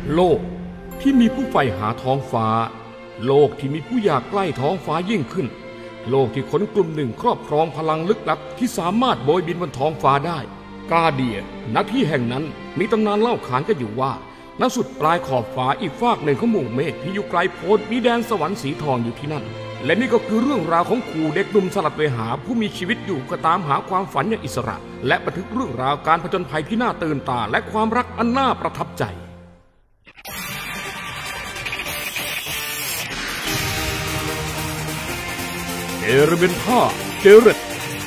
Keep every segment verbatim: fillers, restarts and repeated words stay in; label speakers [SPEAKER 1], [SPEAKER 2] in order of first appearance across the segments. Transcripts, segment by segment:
[SPEAKER 1] โลกที่มีผู้ใฝ่หาท้องฟ้าโลกที่มีผู้อยากใกล้ท้องฟ้ายิ่งขึ้นโลกที่คนกลุ่มหนึ่งครอบครองพลังลึกลับที่สามารถโบยบินบนท้องฟ้าได้กาเดียณที่แห่งนั้นมีตำนานเล่าขานกันอยู่ว่าณสุดปลายขอบฟ้าอีกฟากหนึ่งของหมู่เมฆที่อยู่ไกลโพ้นมีแดนสวรรค์สีทองอยู่ที่นั่นและนี่ก็คือเรื่องราวของครูเด็กหนุ่มสลัดเวหาผู้มีชีวิตอยู่ก็ตามหาความฝันอย่างอิสระและบันทึกเรื่องราวการผจญภัยที่น่าตื่นตาและความรักอันน่าประทับใจเอเรเบนท่าเจเรต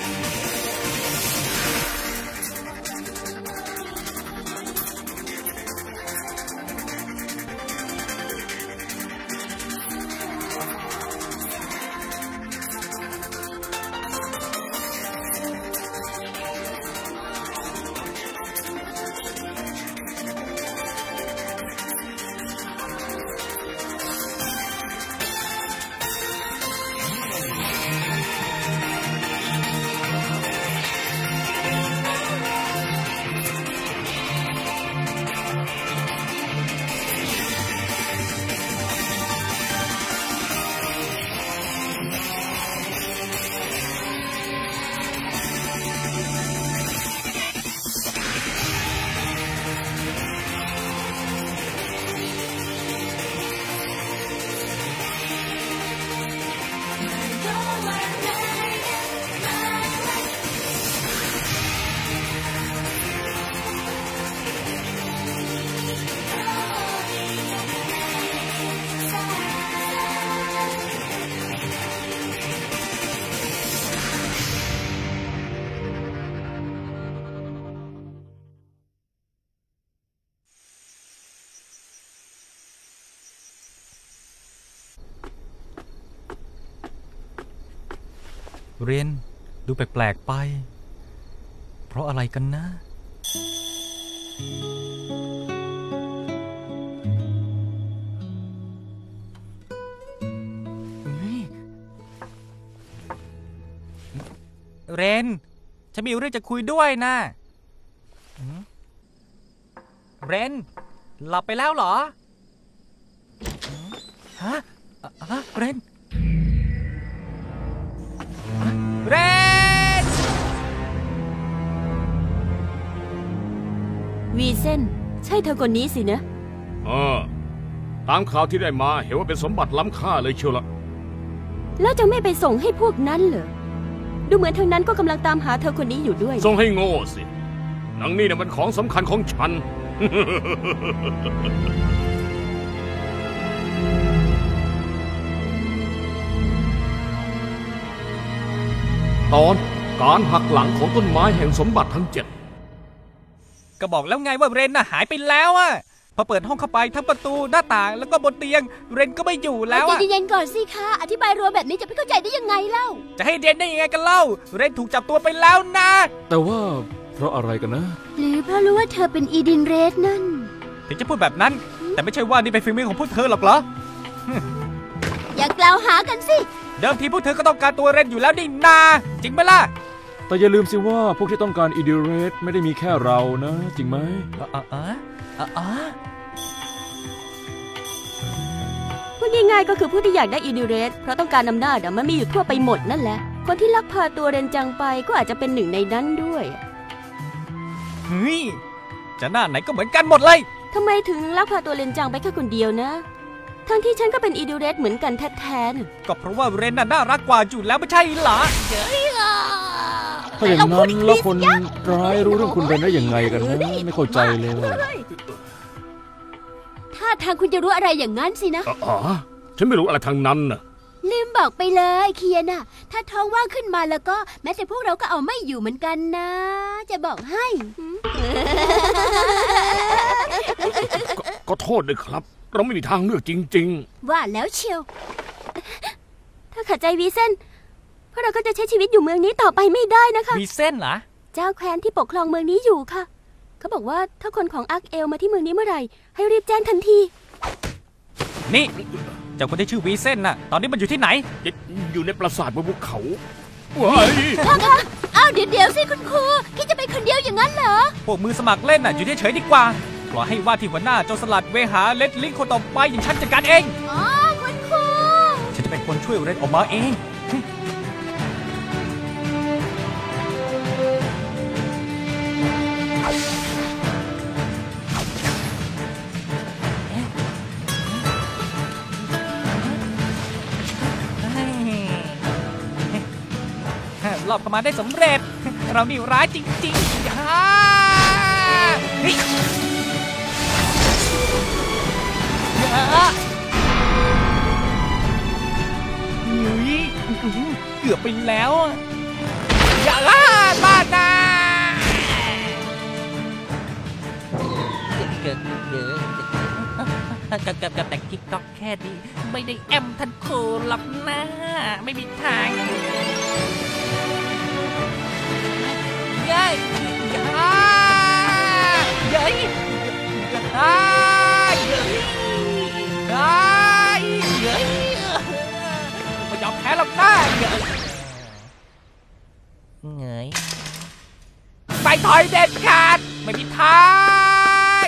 [SPEAKER 2] เรนดูแปลกๆไปเพราะอะไรกันนะเรนฉันมีเรื่องจะคุยด้วยนะเรนหลับไปแล้วเหรอฮะฮะเรนเรน
[SPEAKER 3] วีเซนใช่เธอคนนี้สินะ
[SPEAKER 1] เออตามข่าวที่ได้มาเห็นว่าเป็นสมบัติล้ำค่าเลยเชียวละ
[SPEAKER 3] แล้วจะไม่ไปส่งให้พวกนั้นเหรอดูเหมือนทางนั้นก็กำลังตามหาเธอคนนี้อยู่ด้วย
[SPEAKER 1] ส่งให้โง่สินางนี่น่ะมันของสำคัญของฉัน ตอนการหักหลังของต้นไม้แห่งสมบัติทั้งเจ็ด
[SPEAKER 2] ก็บอกแล้วไงว่าเรนน่ะหายไปแล้วอะพอเปิดห้องเข้าไปทั้งประตูหน้าต่างแล้วก็บนเตียงเรนก็ไม่อยู่แล้วอะ
[SPEAKER 3] ใจเย็นๆก่อนสิคะอธิบายรัวแบบนี้จะไม่เข้าใจได้ยังไงเล่า
[SPEAKER 2] จะให้เรนได้ยังไงกันเล่าเรนถูกจับตัวไปแล้วนะ
[SPEAKER 4] แต่ว่าเพราะอะไรกันนะ
[SPEAKER 3] หรือเพราะรู้ว่าเธอเป็นอีดินเรสนั่น
[SPEAKER 2] ถึงจะพูดแบบนั้นแต่ไม่ใช่ว่านี่เป็นฝีมือของพวกเธอหรอกเหรอ
[SPEAKER 3] อย่ากล่าวหากันสิ
[SPEAKER 2] เดิมทีพวกเธอก็ต้องการตัวเรนอยู่แล้วนี่นาจริงไหมล่ะ
[SPEAKER 4] แต่อย่าลืมสิว่าพวกที่ต้องการอีดิเรสไม่ได้มีแค่เรานะจริงไหม
[SPEAKER 2] อ๋ออ๋ออ๋อ
[SPEAKER 3] พูดง่ายๆก็คือผู้ที่อยากได้อีดิเรสเพราะต้องการอำนาจมันมีอยู่ทั่วไปหมดนั่นแหละคนที่ลักพาตัวเรนจังไปก็อาจจะเป็นหนึ่งในนั้นด้วย
[SPEAKER 2] เฮ้ยจะหน้าไหนก็เหมือนกันหมดเลย
[SPEAKER 3] ทำไมถึงลักพาตัวเรนจังไปแค่คนเดียวนะทั้งที่ฉันก็เป็นอีดิเรสเหมือนกันแท้ๆ
[SPEAKER 2] ก็เพราะว่าเรนน่ะน่ารักกว่าอยู่แล้วไม่ใช่เหรอ
[SPEAKER 4] ถ้าอย่างนั้นแล้วคนร้ายรู้เรื่องคุณเรนได้ยังไงกันนะไม่เข้าใจเลย
[SPEAKER 3] ถ้าทางคุณจะรู้อะไรอย่างนั้นสินะ
[SPEAKER 1] อ๋อฉันไม่รู้อะไรทางนั้นน่ะ
[SPEAKER 3] ลืมบอกไปเลยเคียน่ะถ้าท้องว่างขึ้นมาแล้วก็แม้แต่พวกเราก็เอาไม่อยู่เหมือนกันนะจะบอกให้
[SPEAKER 1] ก็โทษด้วยครับเราไม่มีทางเลือกจริง
[SPEAKER 3] ๆว่าแล้วเชียวถ้าขัดใจวีเซนพวกเราก็จะใช้ชีวิตอยู่เมืองนี้ต่อไปไม่ได้นะคะ
[SPEAKER 2] วีเซนเหรอ
[SPEAKER 3] เจ้าแคว้นที่ปกครองเมืองนี้อยู่ค่ะเขาบอกว่าถ้าคนของอาร์คเอลมาที่เมืองนี้เมื่อไหร่ให้รีบแจ้งทันที
[SPEAKER 2] นี่เจ้าคนที่ชื่อวีเซนน่ะตอนนี้มันอยู่ที่ไหน
[SPEAKER 1] อยู่ในปราสาทบนภูเขา
[SPEAKER 3] ว้ายค่ะค่ะอ้าวเดี๋ยวๆสิคุณครูคิดจะไปคนเดียวอย่างนั้นเหรอ
[SPEAKER 2] พวกมือสมัครเล่นน่ะอยู่เฉยๆดีกว่าปล่อยให้ว่าที่หัวหน้าโจรสลัดเวหาเลดลิงคนต่อไปอย่างฉันจัดการเอง
[SPEAKER 3] อ๋อคุณครู
[SPEAKER 2] ฉันจะเป็นคนช่วยเรนออกมาเองรอบเข้ามาได้สำเร็จเรานี่ร้ายจริงๆฮ่าเฮ้ยเกือบไปแล้วอย่าล่าบ้านนะเกิดเยอะกับกับกับแต่กิ๊กก๊อกแค่นี้ไม่ได้แอมทันโคหรอกนะไม่มีทางยัยยัยยัยยัยยัยยัยไม่ยอมแพ้หรอกนะเงยไปถอยเด็ดขาดไม่มีทาง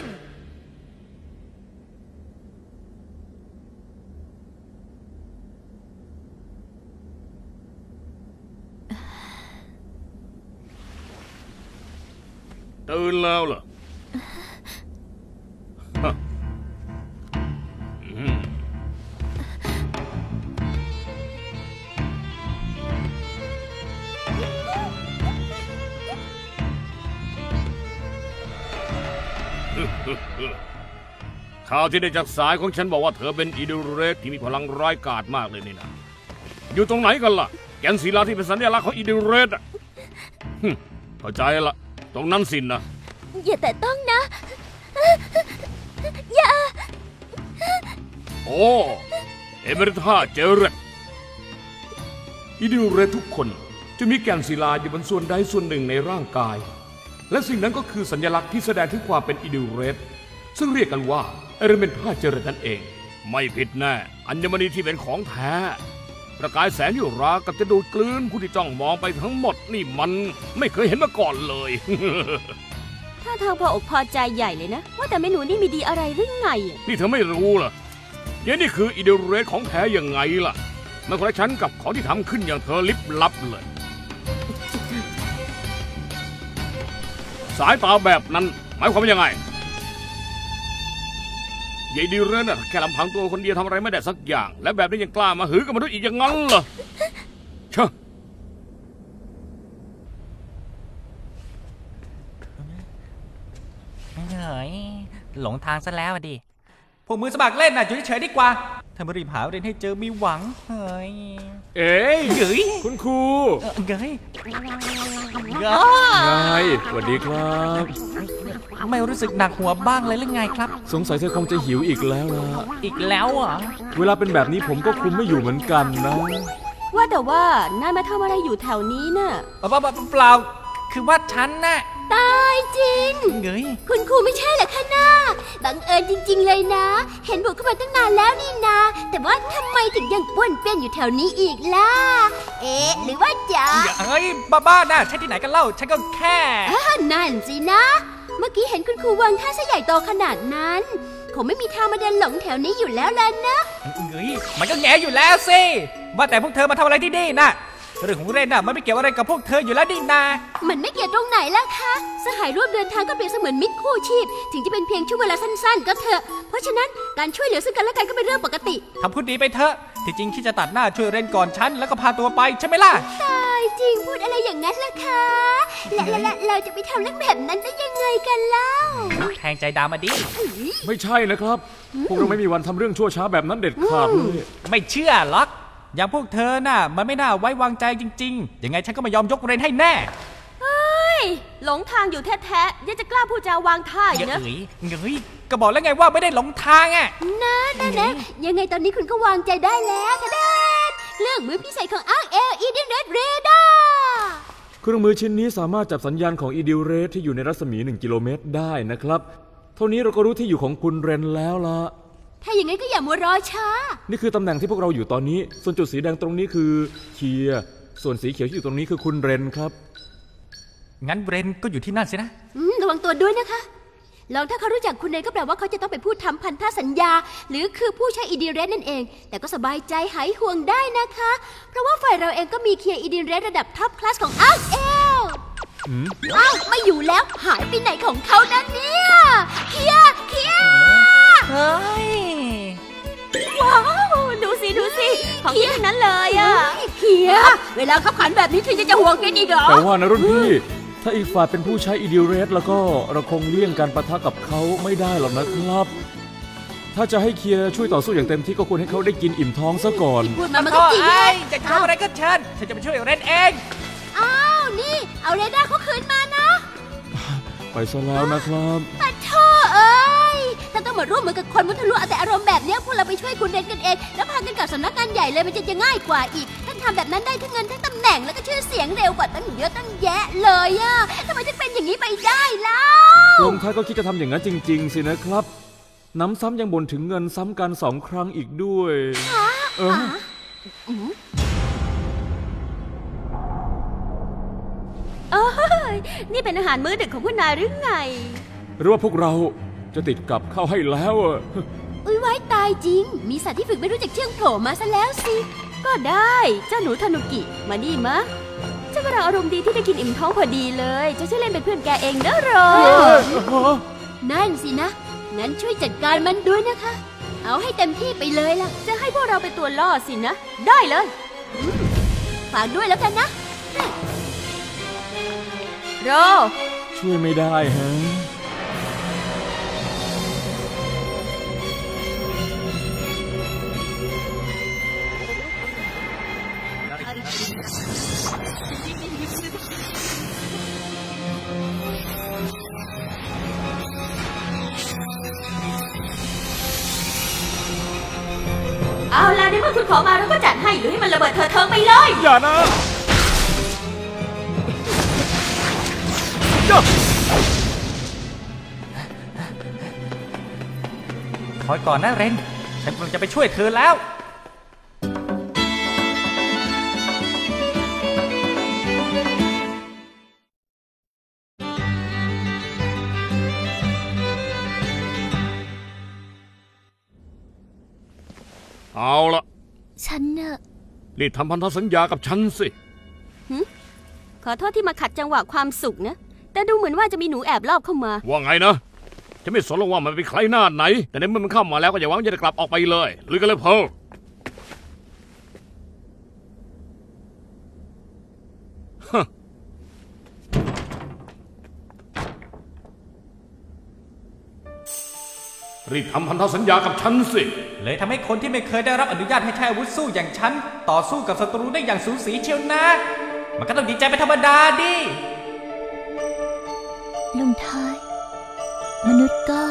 [SPEAKER 1] ตื่นแล้วเหรอข่าวที่ได้จากสายของฉันบอกว่าเธอเป็นอีดูเรสที่มีพลังร้ายกาจมากเลยนี่นะอยู่ตรงไหนกันล่ะแกนศิลาที่เป็นสัญลักษณ์ของอีดูเรสอ่ะเข้าใจละตรงนั้นสินนะ
[SPEAKER 3] อย่าแต่ต้องนะอย่า
[SPEAKER 1] โอ้เอเมริธาเจเรตอีดูเรสทุกคนจะมีแกนศิลาอยู่บนส่วนใดส่วนหนึ่งในร่างกายและสิ่งนั้นก็คือสัญลักษณ์ที่แสดงถึงความเป็นอีดูเรสซึ่งเรียกกันว่าเอเมริธาเจเรตนั่นเองไม่ผิดแน่อัญมณีที่เป็นของแท้ประกายแสงอยู่รากับจะดูดกลืนผู้ที่จ้องมองไปทั้งหมดนี่มันไม่เคยเห็นมาก่อนเลย
[SPEAKER 3] ถ้าทางพออกพอใจใหญ่เลยนะว่าแต่เมนูนี่มีดีอะไรหรือไง
[SPEAKER 1] นี่เธอไม่รู้เหรอเนี่ยนี่คืออีดูเรสของแท้ยังไงล่ะมันคนละชั้นกับของที่ทำขึ้นอย่างเธอลิบลับเลยสายตาแบบนั้นหมายความว่ายังไงยายดีเรนน่ะแค่ลำพังตัวคนเดียวทำอะไรไม่ได้สักอย่างและแบบนี้ยังกล้ามาหือกับมนุษย์อีกอย่างนั้นเหรอเชอะ
[SPEAKER 2] เฮ้ยหลงทางซะแล้วดิพวกมือสมัครเล่นน่ะอยู่เฉยๆดีกว่าถ้ามารีบหาเรนให้เจอมีหวังเฮ้ย
[SPEAKER 1] เอ๋ย
[SPEAKER 2] เฮ้ย
[SPEAKER 1] คุณครู
[SPEAKER 2] เฮ้ย
[SPEAKER 4] ไงสวัสดีครับ
[SPEAKER 2] ไม่รู้สึกหนักหัวบ้างเลยหรือไงครับ
[SPEAKER 4] สงสัยเธอคงจะหิวอีกแล้วล่ะ
[SPEAKER 2] อีกแล้วอ่ะ
[SPEAKER 4] เวลาเป็นแบบนี้ผมก็คุมไม่อยู่เหมือนกันนะ
[SPEAKER 3] ว่าแต่ว่านายมาทำอะไรอยู่แถวนี้น่ะ
[SPEAKER 2] เปล่าเปล่าคือว่าฉันน่ะ
[SPEAKER 3] ตายจริง
[SPEAKER 2] เงย
[SPEAKER 3] คุณครูไม่ใช่เหรอคะน้าบังเอิญจริงๆเลยนะเห็นบุกเข้ามาตั้งนานแล้วนี่นาแต่ว่าทำไมถึงยังป้วนเปี้ยนอยู่แถวนี้อีกล่ะเอ๊ะหรือว่าจะ
[SPEAKER 2] เฮ้ยบ้าๆนะใช่ที่ไหนกันเล่าฉันก็แค่
[SPEAKER 3] นั่นสินะเมื่อกี้เห็นคุณครูวางท่าซะใหญ่โตขนาดนั้นคงไม่มีทางมาเดินหลงแถวนี้อยู่แล้วล่ะนะ
[SPEAKER 2] เฮ้ยมันก็แง่อยู่แล้วสิว่าแต่พวกเธอมาทำอะไรที่นี่น่ะเรื่องของเรนน่ะมันไม่เกี่ยวอะไรกับพวกเธออยู่แล้วดินา
[SPEAKER 3] มันไม่เกี่ยวตรงไหนล่ะคะสหายร่วมเดินทางก็เปรียบเสมือนมิตรคู่ชีพถึงจะเป็นเพียงช่วงเวลาสั้นๆก็เถอะเพราะฉะนั้นการช่วยเหลือซึ่งกันและกันก็เป็นเรื่องปกติ
[SPEAKER 2] ทำพูดดีไปเถอะที่จริงคิดจะตัดหน้าช่วยเรนก่อนฉันแล้วก็พาตัวไปใช่ไหมล่ะ
[SPEAKER 3] ตายจริงพูดอะไรอย่างนั้นล่ะคะและและเราจะไปทำเรื่องแบบนั้นได้ยังไงกันเล่า
[SPEAKER 2] แทงใจดามาดิ
[SPEAKER 4] ไม่ใช่นะครับพวกเราไม่มีวันทำเรื่องชั่วช้าแบบนั้นเด็ดขาดเลย
[SPEAKER 2] ไม่เชื่อหรอกอย่างพวกเธอน่ะมันไม่น่าไว้วางใจจริงๆยังไงฉันก็ไม่ยอมยกเรนให้แน่
[SPEAKER 3] เฮ้ยหลงทางอยู่แท้ๆยังจะกล้าพูดจาวางท่าอีกนะ
[SPEAKER 2] เฮ้ยเฮ้ยก็บอกแล้วไงว่าไม่ได้หลงทางอ่ะ
[SPEAKER 3] นะนะนะยังไงตอนนี้คุณก็วางใจได้แล้วทะเด็ดเครื่องมือพิเศษของอาร์เอลอีดิเรสเรดาร์
[SPEAKER 4] เครื่องมือชิ้นนี้สามารถจับสัญญาณของอีดิเรสที่อยู่ในรัศมีหนึ่งกิโลเมตรได้นะครับเท่านี้เราก็รู้ที่อยู่ของคุณเรนแล้วล่ะ
[SPEAKER 3] ถ้าอย่างนั้นก็อย่ามัวรอช้า
[SPEAKER 4] นี่คือตำแหน่งที่พวกเราอยู่ตอนนี้ส่วนจุดสีแดงตรงนี้คือเคียร์ส่วนสีเขียวที่อยู่ตรงนี้คือคุณเรนครับ
[SPEAKER 2] งั้นเรนก็อยู่ที่นั่นสินะ
[SPEAKER 3] ระวังตัวด้วยนะคะลองถ้าเขารู้จักคุณเรนก็แปลว่าเขาจะต้องไปพูดทำพันธสัญญาหรือคือผู้ใช้อีดินเรสนั่นเองแต่ก็สบายใจหายห่วงได้นะคะเพราะว่าฝ่ายเราเองก็มีเคียร์อีดินเรสระดับท็อปคลาสของอ้าวเอลอ้าวไม่อยู่แล้วหายไปไหนของเขานั่นเนี่ยเคียร์เคียร์
[SPEAKER 2] เฮ้ย
[SPEAKER 5] ว้าวดูสิดูสิของที่นั้นเลยอ่ะ
[SPEAKER 3] เคียร์เวลาขับขันแบบนี้เธอจะจะห่วงกันอีกเหรอ
[SPEAKER 4] แต่ว่านะรุ่นพี่ถ้าอีกฝ่ายเป็นผู้ใช้อีดิเรสแล้วก็เราคงเลี่ยงการปะทะกับเขาไม่ได้หรอกนะครับถ้าจะให้เคียร์ช่วยต่อสู้อย่างเต็มที่ก็ควรให้เขาได้กินอิ่มท้องซะก่อน
[SPEAKER 3] พูดมามันก็จริง
[SPEAKER 2] เลยจะทำอะไรก็เชิญฉันจะไปช่วยเรนเอง
[SPEAKER 3] อ้าวนี่เอาเรด้าเขาคืนมานะ
[SPEAKER 4] ไปซะแล้วนะครับ
[SPEAKER 3] ปัดท่อเอ้ยถ้าต้องมาร่วมมือกับคนมุทะลุเอาแต่อารมณ์แบบนี้พวกเราไปช่วยคุณเรนกันเองแล้วพากันกลับสำนักงานใหญ่เลยมันจะจะง่ายกว่าอีกท่านทำแบบนั้นได้ทั้งเงินทั้งตำแหน่งแล้วก็ชื่อเสียงเร็วกว่าตั้งเยอะตั้งแยะเลยอะทำไมถึงเป็นอย่างนี้ไปได้ล่ะ
[SPEAKER 4] ลงท้ายก็คิดจะทำอย่างนั้นจริงๆสินะครับน้ำซ้ำยังบ่นถึงเงินซ้ำกันสองครั้งอีกด้วยเออ
[SPEAKER 5] เอ้ยนี่เป็นอาหารมื้อดึกของคุณนายหรือไง
[SPEAKER 4] หรือว่าพวกเราจะติดกับเข้าให้แล้วอ่ะ
[SPEAKER 3] อุ้ยไว้ตายจริงมีสัตว์ที่ฝึกไม่รู้จักเชื่องโผล่มาซะแล้วสิ
[SPEAKER 5] ก็ได้เจ้าหนูทานุกิมานี่มะเจ้ากำลังอารมณ์ดีที่ได้กินอิ่มท้องพอดีเลยจะช่วยเล่นเป็นเพื่อนแกเองนะรอ
[SPEAKER 3] นั่นสินะงั้นช่วยจัดการมันด้วยนะคะเอาให้เต็มที่ไปเลยล่ะ
[SPEAKER 5] จะให้พวกเราเป็นตัวล่อสินะได้เลย
[SPEAKER 3] ฝากด้วยแล้วกันนะ
[SPEAKER 5] โร
[SPEAKER 4] ช่วยไม่ได้ฮะ
[SPEAKER 5] เอาล่ะในเมื่อคุณขอมาเราก็จัดให้หรือให้มันระเบิดเธอเทิงไปเลย
[SPEAKER 4] อย่านะ
[SPEAKER 2] คอยก่อนนะเรนฉันกำลังจะไปช่วยเธอแล้ว
[SPEAKER 1] เอาละ
[SPEAKER 3] ฉันน่ะ
[SPEAKER 1] รีบทำพันธสัญญากับฉันสิ
[SPEAKER 5] ขอโทษที่มาขัดจังหวะความสุขนะแต่ดูเหมือนว่าจะมีหนูแอบลอบเข้ามา
[SPEAKER 1] ว่าไงนะจะไม่สนหรอกว่ามันเป็นใครหน้าไหนแต่ในเมื่อมันเข้ามาแล้วก็อย่าหวังจะกลับออกไปเลยลุยกันเลยเพลรีบทำพันธสัญญากับฉันสิ
[SPEAKER 2] เลยทำให้คนที่ไม่เคยได้รับอนุญาตให้ใช้อาวุธสู้อย่างฉันต่อสู้กับศัตรูได้อย่างสูสีเชียวนะมันก็ต้องดีใจเป็นธรรมดาดิ
[SPEAKER 3] ลงท้ายมนุษย์ก็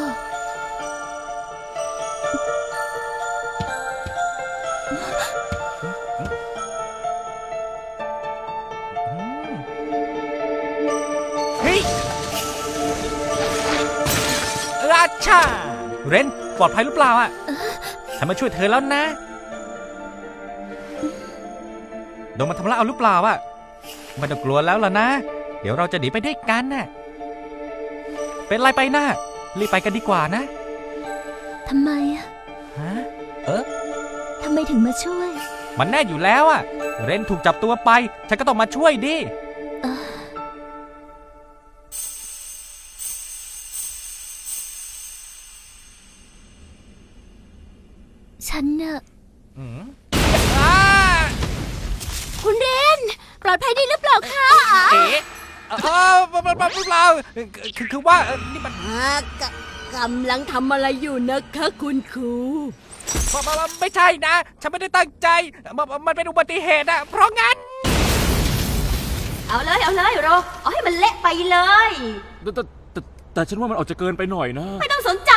[SPEAKER 2] เฮ้ยราชาเรนปลอดภัยหรือเปล่าอ่ะฉันมาช่วยเธอแล้วนะโดนมาทำร้ายเอาหรือเปล่าอ่ะไม่ต้องกลัวแล้วล่ะนะเดี๋ยวเราจะหนีไปด้วยกันน่ะเป็นไรไปนะรีบไปกันดีกว่านะ
[SPEAKER 3] ทำไมอ่ะ
[SPEAKER 2] ฮะเออ
[SPEAKER 3] ทำไมถึงมาช่วย
[SPEAKER 2] มันแน่อยู่แล้วอ่ะเรนถูกจับตัวไปฉันก็ต้องมาช่วยดิ
[SPEAKER 3] ฉันน่ะคุณเรนปลอดภัยดีหรือเปล่าคะ
[SPEAKER 2] เอ๊ะเออเปล่าคือคือว่านี่มัน
[SPEAKER 3] กำลังทำอะไรอยู่นะคะคุณครู
[SPEAKER 2] ไม่ใช่นะฉันไม่ได้ตั้งใจมันเป็นอุบัติเหตุอะเพราะงั้น
[SPEAKER 5] เอาเลยเอาเลยโรเอาให้มันเละไปเลย
[SPEAKER 4] แต่แต่แต่ฉันว่ามันออกจะเกินไปหน่อยนะ
[SPEAKER 5] ไม่ต้องสนใจ